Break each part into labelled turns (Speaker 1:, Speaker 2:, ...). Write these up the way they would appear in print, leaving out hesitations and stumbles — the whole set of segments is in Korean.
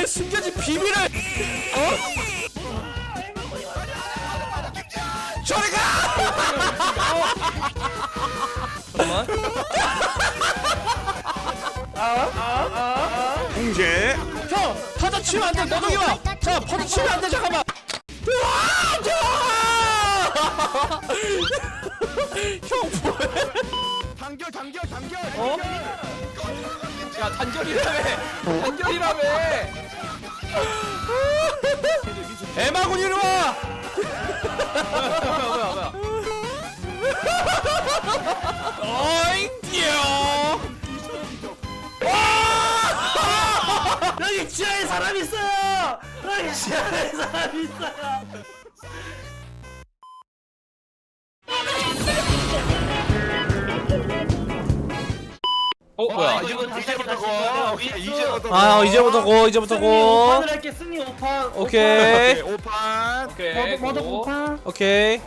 Speaker 1: 숨겨진 비밀을 저리 가! 잠깐만.
Speaker 2: 공제.
Speaker 1: 형! 퍼져 치면 안돼! 너도 이와! 자! 퍼져 치면 안돼! 잠깐만! 형 뭐해?
Speaker 2: 단결.
Speaker 1: 어? 야 단결이라며! 단결이라며! 에마군 이리 와! 뭐야 어잉 뛰어! 여기 지하에 사람 있어요! 여기 지하에 사람 있어요! 뭐야?
Speaker 2: 이제부터 고.
Speaker 1: 이제부터 고.
Speaker 3: 오판을 할게. 승리 5판.
Speaker 1: 오케이.
Speaker 2: 5판.
Speaker 3: 머더 5판.
Speaker 1: 오케이.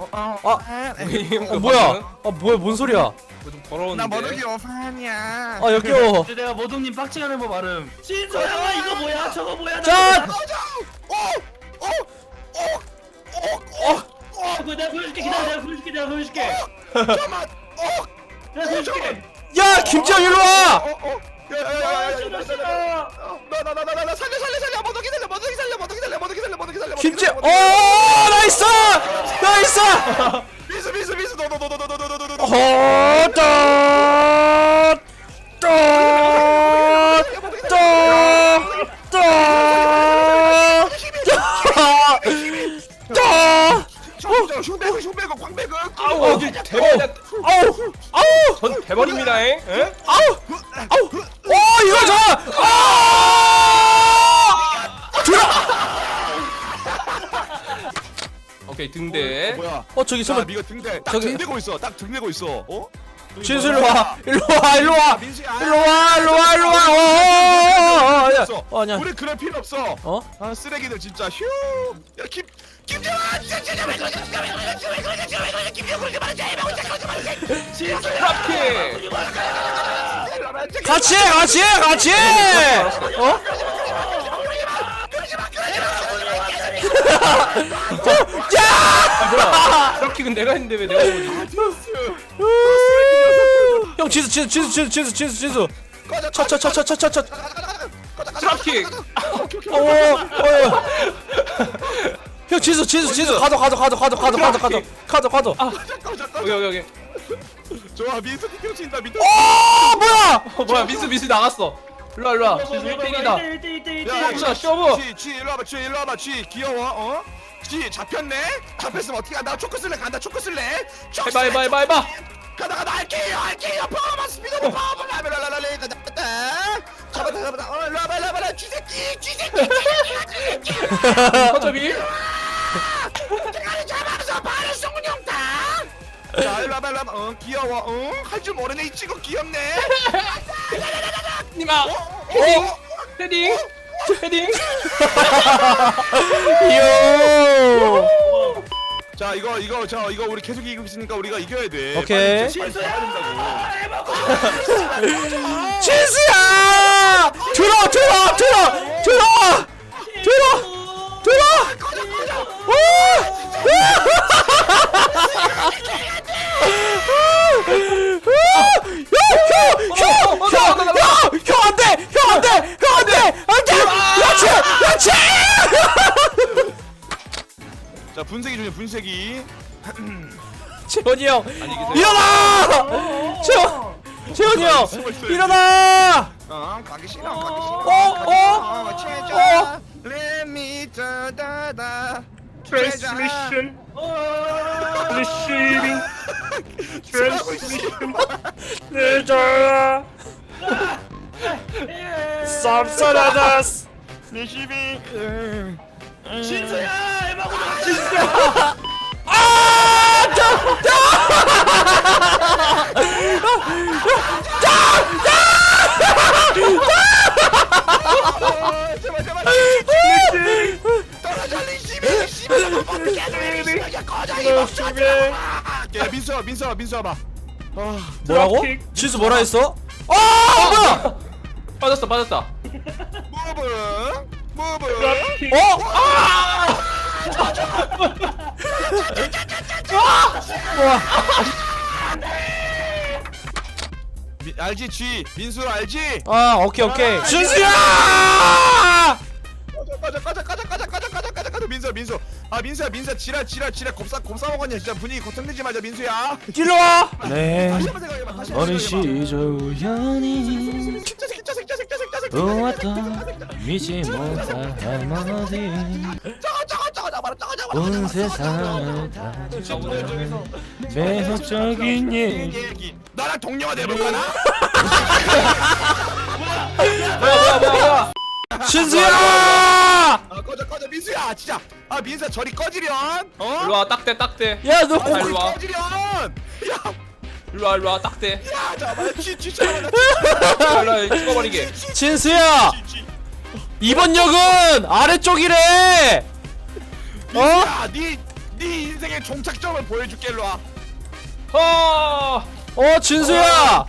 Speaker 1: 뭐야? 뭔 소리야?
Speaker 4: 좀 더러운데.
Speaker 2: 나 머더기 5판이야.
Speaker 1: 역겨워.
Speaker 3: 이제 내가 모동님 빡치가는 법 알음. 신소야 이거 뭐야? 저거 뭐야?
Speaker 1: 자!
Speaker 3: 내가 보여줄게. 기다려. 내가 보여줄게.
Speaker 2: 잠깐만.
Speaker 3: 내가 보여줄게.
Speaker 1: 야, 김지영 일로 와!
Speaker 2: 나 살려. 머더기 살려.
Speaker 1: 김지영, 나이스! 나이스!
Speaker 2: 미스. 너. 흉배고 광배고.
Speaker 4: 아우 대박. 전 대박입니다잉. 예?
Speaker 1: 이거
Speaker 4: 오케이 등대.
Speaker 2: 뭐야?
Speaker 1: 저기
Speaker 2: 잠깐
Speaker 1: 설마
Speaker 2: 미가 등대. 딱
Speaker 1: 저기-
Speaker 2: 등대고 있어. 딱 등대고 있어. 어?
Speaker 1: 진수 일로 와! 일로 와!
Speaker 2: 민수야.
Speaker 1: 아니야.
Speaker 2: 우리 그럴 필요 없어.
Speaker 1: 어?
Speaker 2: 아 쓰레기들 진짜 휴. 야 김정아 진짜 왜 그러냐?
Speaker 4: 트랍킥.
Speaker 1: 같이! 어? 야!
Speaker 4: 트랍킥은 내가 했는데 왜 내가 보지?
Speaker 1: 형 진수. 차.
Speaker 4: 트랍킥.
Speaker 1: 형 진수 가도.
Speaker 4: 여기.
Speaker 2: 좋아 민수 뛰어친다 민수.
Speaker 1: 뭐야?
Speaker 4: 뭐야 미스 나갔어. 일로 와. 지수 1대1이다.
Speaker 3: 1대1.
Speaker 4: 쇼부.
Speaker 2: 쥐 일로 와봐 쥐 귀여워 어? 쥐 잡혔으면 어떻게 한다 초코 쓸래 간다 초코 쓸래
Speaker 4: 해봐.
Speaker 2: 가다 알게요 파워만 스피드로 파워만 라벨라라레 잡았다 일로 와봐 쥐새끼
Speaker 4: 허접이.
Speaker 2: 대가리 잡아서 발을 쏘군용다 자 일로 와봐 귀여워 할 줄 모르네 이 친구 귀엽네
Speaker 4: 니마. 헤딩.
Speaker 1: 이요.
Speaker 2: 자 이거 우리 계속 이기고 있으니까 우리가 이겨야 돼
Speaker 1: 오케이.
Speaker 2: 빨리 잡아야 된다고
Speaker 1: 진수야! 들어! 형 안돼! 그렇지!
Speaker 2: 자 분쇄기
Speaker 1: 재원이 형
Speaker 4: 안녕히 계세요.
Speaker 1: 일어나! 재원이 형 일어나!
Speaker 2: 가기 싫어
Speaker 1: 어?
Speaker 2: Let me da
Speaker 4: Transmission. Receiving.
Speaker 1: 늦어요. 쌉싸라다스.
Speaker 3: 신소야 에바고
Speaker 2: 민수 와봐.
Speaker 1: 뭐라고? 지수 뭐라 했어? 뭐야?
Speaker 4: 빠졌다.
Speaker 2: 무브 무브. 알지 G 민수 알지?
Speaker 1: 아 오케이 오케이. 준수야!
Speaker 2: 가자 민수 아 민수야 지랄 곱사 먹었냐 진짜 분위기 고통내지 마자 민수야.
Speaker 1: 일로 와. 네.
Speaker 2: 다시 한번 생각해봐 다시
Speaker 1: 어린
Speaker 2: 한번 생각해봐.
Speaker 1: 시절 우연히
Speaker 2: 자식
Speaker 1: 보았던 미지 못할 할머니 온 세상을 다 매혹적인 얘기.
Speaker 2: 나랑 동료가 돼볼까나?
Speaker 4: 뭐야
Speaker 1: 준수야!
Speaker 2: 아 꺼져 민수야 진짜 아 민수야 저리 꺼지련 어?
Speaker 4: 일로와 딱대
Speaker 1: 야 너
Speaker 4: 아, 일로 와.
Speaker 2: 꺼지련
Speaker 4: 일로와 딱대
Speaker 2: 야 잠깐만 진짜
Speaker 4: 일로와 찍어버리게.
Speaker 1: 진수야! 이번 역은 아래쪽이래!
Speaker 2: 민수야 네 인생의 종착점을 보여줄게 일로와.
Speaker 1: 진수야!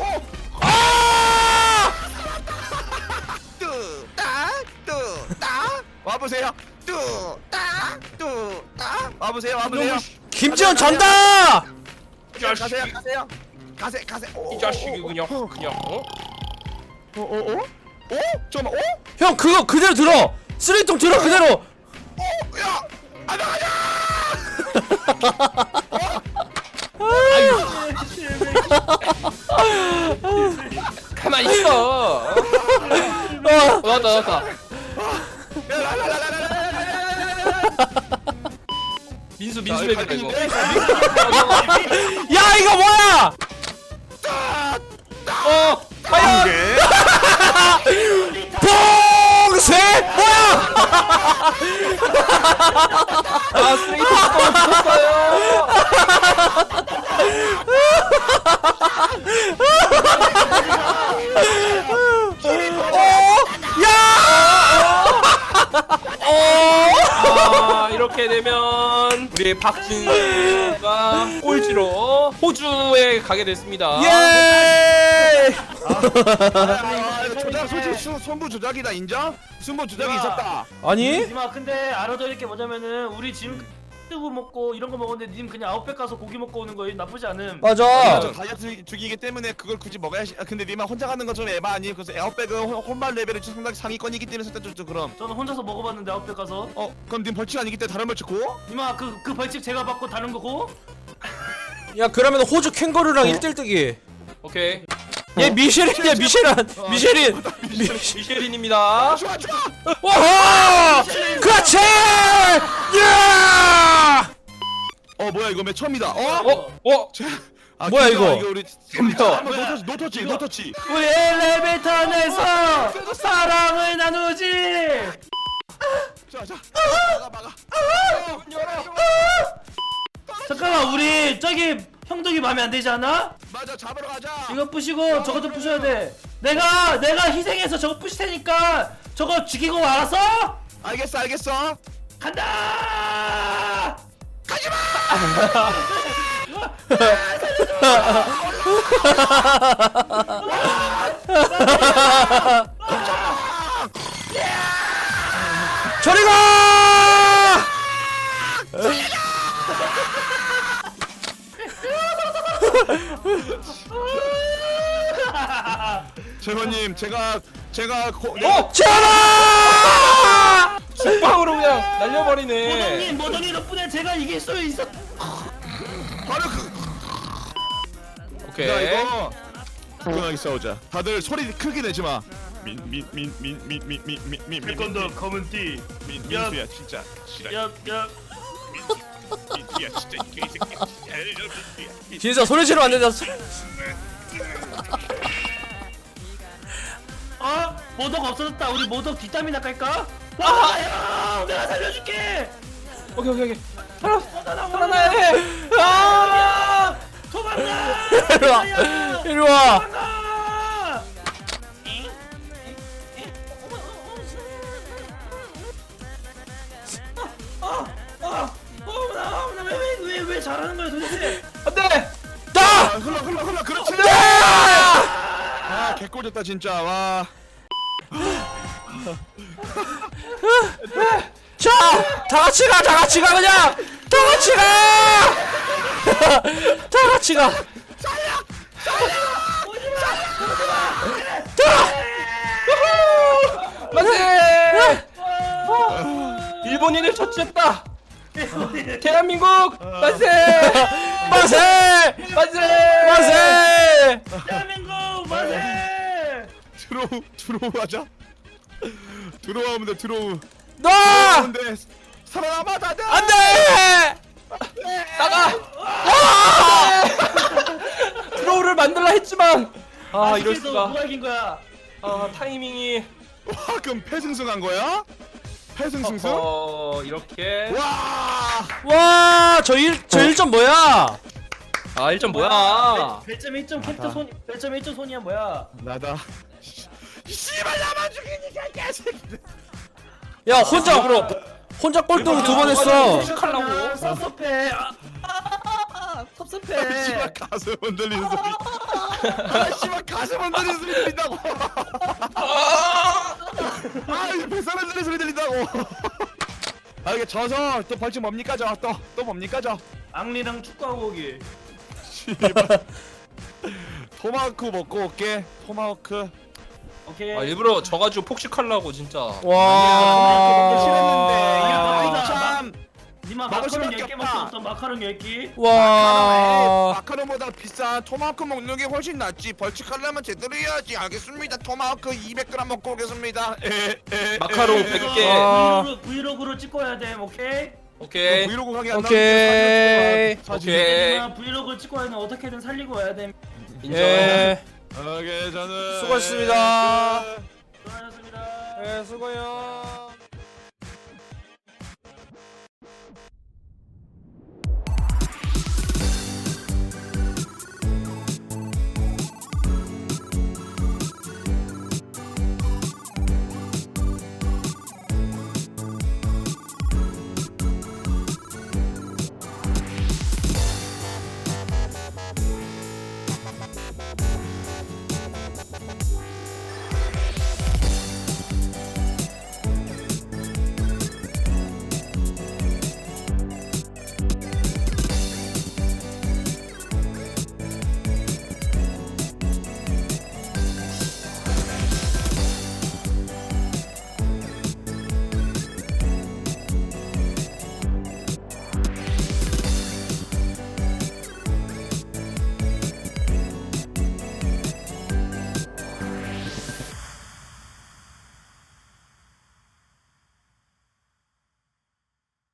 Speaker 2: 뚜딱 와보세요. 뚜딱 와보세요.
Speaker 1: 김지현 전다!
Speaker 2: 가세요.
Speaker 4: 이 자식이 그냥 어?
Speaker 2: 잠깐만
Speaker 1: 형 그거 그대로 들어! 쓰레기통 들어 그대로!
Speaker 2: 야! 아 나가자!
Speaker 4: 가만히 있어. 나왔다. 민수 애들 이거.
Speaker 1: 야 이거 뭐야! 봉쇄! 뭐야!
Speaker 4: 아 쓰레기통 붙었어요. 아 이렇게 되면 우리 박진수가 꼴찌로 호주에 가게 됐습니다.
Speaker 1: 예!
Speaker 2: 조작 솔직히 손부 조작이다 인정? 손부 조작이 있었다.
Speaker 1: 아니?
Speaker 3: 니마 근데 알아둘 게 뭐냐면은 우리 지금 뜨고 먹고 이런 거 먹었는데 님 그냥 아웃백 가서 고기 먹고 오는 거 나쁘지 않음.
Speaker 1: 맞아.
Speaker 2: 저 다이어트 죽이기 때문에 그걸 굳이 먹어야 근데 니만 혼자 가는 건 좀 에바 아니? 그래서 에어백은 혼발 레벨이 상당히 상위권이기 때문에 일단 좀 그럼.
Speaker 3: 저는 혼자서 먹어봤는데 아웃백 가서.
Speaker 2: 그럼 님 벌칙 아니기 때문에 다른 벌칙 고?
Speaker 3: 니마 그 벌칙 제가 받고 다른 거고.
Speaker 1: 야 그러면 호주 캥거루랑 1대1 뜨기.
Speaker 4: 오케이.
Speaker 1: 얘 미쉐린이야 미쉐린.
Speaker 4: 미쉐린입니다.
Speaker 2: 좋아.
Speaker 1: 와호! 그렇지! 야!
Speaker 2: 뭐야 이거 맨 처음이다.
Speaker 1: 뭐야, 이거?
Speaker 2: 이거 우리
Speaker 4: 덤벼.
Speaker 2: 한번 노터치.
Speaker 3: 우리 엘리베이터 내서 사랑을 나누지.
Speaker 2: 자. 막아.
Speaker 3: 잠깐만 우리 저기 형덕이 마음에 안 들지 않아?
Speaker 2: 맞아 잡으러 가자.
Speaker 3: 이거 부시고 저것도 부셔야 돼. 내가 희생해서 저거 부실 테니까 저거 죽이고 알았어?
Speaker 2: 알겠어.
Speaker 3: 간다!
Speaker 2: 가지마.
Speaker 1: 저리 가!
Speaker 2: 재원님 제가
Speaker 1: 전화!
Speaker 4: 죽방으로 그냥 날려버리네.
Speaker 3: 모더니 덕분에 제가 이길 수 있어.
Speaker 2: 바로
Speaker 4: 오케이.
Speaker 2: 야 이거 편하게 싸우자. 다들 소리 크게 내지 마.
Speaker 3: 태권도 검은 띠.
Speaker 2: 민수야 진짜 싫어.
Speaker 3: 야.
Speaker 2: 민수야 진짜 이 새끼.
Speaker 1: 진짜 소리 지르면 안 된다.
Speaker 3: 모덕 없어졌다. 우리 모덕 뒷담이나 깔까? 야, 내가 살려줄게.
Speaker 4: 오케이.
Speaker 3: 살아나야 해. 도망가.
Speaker 1: 이리 와.
Speaker 3: 도망가. 왜 잘하는 거야 도대체?
Speaker 4: 안돼.
Speaker 1: 따!
Speaker 2: 흘러 그렇지. 개꼴졌다 진짜 와.
Speaker 1: 자, 다 같이 가, 다 같이 가, 그냥 다 같이 가. 다 같이 가.
Speaker 4: 만세! 일본인을 처치했다. 대한민국 만세!
Speaker 1: 만세!
Speaker 4: 만세!
Speaker 1: 만세!
Speaker 3: 대한민국 만세!
Speaker 2: 드로우 하자. 드로우하면 돼 드로우.
Speaker 1: 나!
Speaker 2: 근데 살아남아 다들.
Speaker 1: 안돼!
Speaker 4: 나가! 드로우를 만들라 했지만 이럴 수가.
Speaker 3: 누가 이긴 거야?
Speaker 4: 타이밍이
Speaker 2: 와 그럼 패승승한 거야? 패승승승?
Speaker 4: 이렇게
Speaker 2: 와.
Speaker 1: 와, 저 1점 뭐야?
Speaker 4: 1점 뭐야?
Speaker 3: 별점 1점 캡터 손 별점 1점 손이야 뭐야?
Speaker 2: 나다. 씨발 나만 죽이니까 개새끼들.
Speaker 1: 야, 혼자 꼴등 2번 했어.
Speaker 4: 하려고.
Speaker 3: 섭섭해. 섭섭해.
Speaker 2: 씨발 가슴 흔들리는 소리. 씨발 가슴 흔들리는 소리 들린다고. 이거 뱃살 흔들리는 소리 들린다고. 이게 져서 또 벌칙 뭡니까 저? 또 뭡니까 저?
Speaker 3: 앙리랑 축구하고 오기.
Speaker 2: 씨발. 토마호크 먹고 올게. 토마호크.
Speaker 3: 오케이.
Speaker 4: 일부러 져가지고 폭식하려고 진짜.
Speaker 2: 먹기 싫었는데.
Speaker 1: 와.
Speaker 2: 이거 참.
Speaker 3: 니마
Speaker 2: 먹을
Speaker 3: 마카롱
Speaker 2: 수밖에
Speaker 3: 10개
Speaker 2: 없다.
Speaker 3: 먹었어. 마카롱 10개.
Speaker 1: 와.
Speaker 2: 마카롱보다 비싼 토마호크 먹는 게 훨씬 낫지. 벌칙하려면 제대로 해야지. 알겠습니다. 토마호크 200g 먹고 오겠습니다.
Speaker 4: 마카롱
Speaker 2: 에.
Speaker 4: 100개.
Speaker 1: 아.
Speaker 3: 브이로그로 찍어야 돼. 오케이?
Speaker 4: 오케이.
Speaker 2: 브이로그 가게 안
Speaker 1: 오케이.
Speaker 2: 나오는데 사진
Speaker 4: 오케이.
Speaker 3: 니마 브이로그 찍고 와야 돼. 어떻게든 살리고 와야 돼.
Speaker 4: 인정.
Speaker 1: 예.
Speaker 2: 오케이 저는
Speaker 1: 수고하셨습니다.
Speaker 3: 수고하셨습니다.
Speaker 1: 예, 수고해요.